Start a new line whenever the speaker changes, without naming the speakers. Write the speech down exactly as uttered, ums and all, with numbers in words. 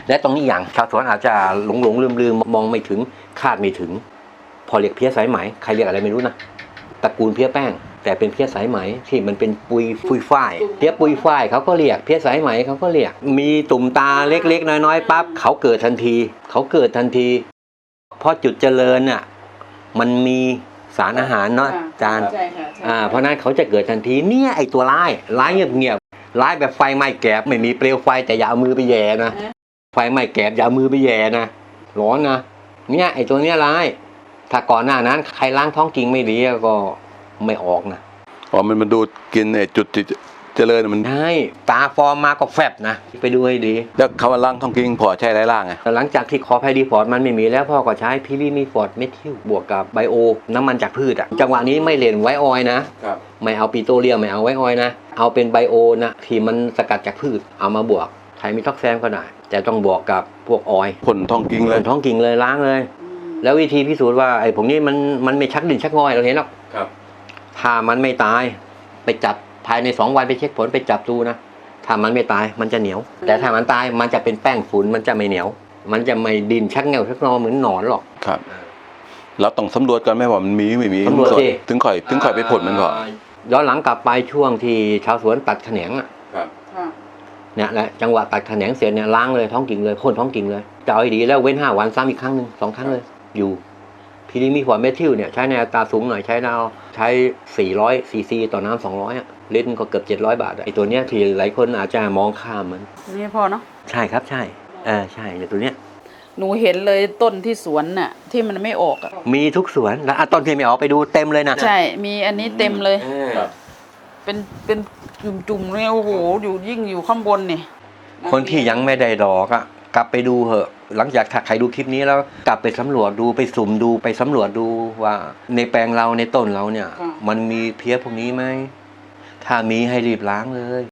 และตรงนี้อย่างชาวสวนอาจจะหลงหลงลืมลืมมองไม่ถึงคาดไม่ถึงพอเรียกเพี้ยสายไหมใครเรียกอะไรไม่รู้นะตระกูลเพี้ยแป้งแต่เป็นเพี้ยสายไหมที่มันเป็นปุยปุยฝ้ายเพี้ยปุยฝ้ายเขาก็เรียกเพี้ยสายไหมเขาก็เรียกมีตุ่มตาเล็กๆน้อยๆปั๊บเขาเกิดทันทีเขาเกิดทันทีเพราะจุดเจริญน่ะมันมีสารอาหารเนาะจานอ่าเพราะนั้นเขาจะเกิดทันทีเนี่ยไอตัวร้ายร้ายเงียบๆร้ายแบบไฟไหม้แกบไม่มีเปลวไฟแต่อย่าเอามือไปแย่นะไฟไหม้แกบอย่าเอามือไปแย่นะร้อนนะเนี่ยไอตัวเนี้ยร้ายถ้าก่อนหน้านั้นใครล้างท้องกิ่งไม่ดีก็ไม่ออกนะ
อ๋อมันมันดูกินไอจุดเจริญมัน
ใช่ตาฟอร์มมาก็แฟบนะไปดูให้ดี
แล้วคำว่าล้างท้องกิ่งพอใช้ไรล่างไง
แต่หลังจากที่คอไพดีฟอร์ดมันไม่มีแล้วพ่อก็ใช้พิลีมีฟอร์ดเมทิลบวกกับไบโอน้ำมันจากพืชอะจังหวะนี้ไม่เล่นไวออยนะไม่เอาปิโตรเลียมไม่เอาไวออยนะเอาเป็นไบโอนะที่มันสกัดจากพืชเอามาบวกไทมิท็อกแซมก็ได้แต่ต้องบวกกับพวกออย
พ่นท้องกิ่งเลย
พ่นท้องกิ่งเลยล้างเลยแล้ววิธีพิสูจน์ว่าไอ้ผมนี่มันมันไม่ชักดินชักงอยเราเห็นหรอกถ้ามันไม่ตายไปจับภายในสองวันไปเช็คผลไปจับดูนะถ้ามันไม่ตายมันจะเหนียวแต่ถ้ามันตายมันจะเป็นแป้งฝุ่นมันจะไม่เหนียวมันจะไม่ดินชักเงาชักงอเหมือนหนอนหรอก
ครับเราต้องสำรวจกันไหมว่ามันมีไม่มี
สำรวจสิ
ถึงข่อยถึงข่อยไปผลมันก่อน
ย้อนหลังกลับไปช่วงที่ชาวสวนตัดแขนงอ่ะเนี่ยแหละจังหวะตัดแขนงเสร็จเนี่ยล้างเลยท้องกิ่งเลยพ่นท้องกิ่งเลยจะเอาให้ดีแล้วเว้นห้าวันซ้ำอีกครั้งหนึ่งสองครั้งเลยอยู่พีดีมีฟอร์เมทิลเนี่ยใช้ในอัตราสูงหน่อยใช้ดาวใช้สี่ร้อยซีซีต่อน้ำสองร้อยอ่ะลิตรก็เกือบเจ็ดร้อยบาทไอ้ตัวเนี้ยที่หลายคนอาจจะมองข้ามมัน
นี่พอเนาะ
ใช่ครับใช่เออใช่เนี่ยตัวเนี้ย
หนูเห็นเลยต้นที่สวนน่ะที่มันไม่ออกอ่ะ
มีทุกสวนแล้วต้นที่ไม่ออกไปดูเต็มเลยนะ
ใช่มีอันนี้เต็มเลยเป็นเป็นจุ่มๆเนี่ยโอ้โหอยู่ยิ่งอยู่ข้างบนนี่
คนที่ยังไม่ได้ดอกอ่ะกลับไปดูเหอะหลังจากถ้าใครดูคลิปนี้แล้วกลับไปสำรวจดูไปสุ่มดูไปสำรวจดูว่าในแปลงเราในต้นเราเนี่ยมันมีเพี้ยพวกนี้ไหมถ้ามีให้รีบล้างเลย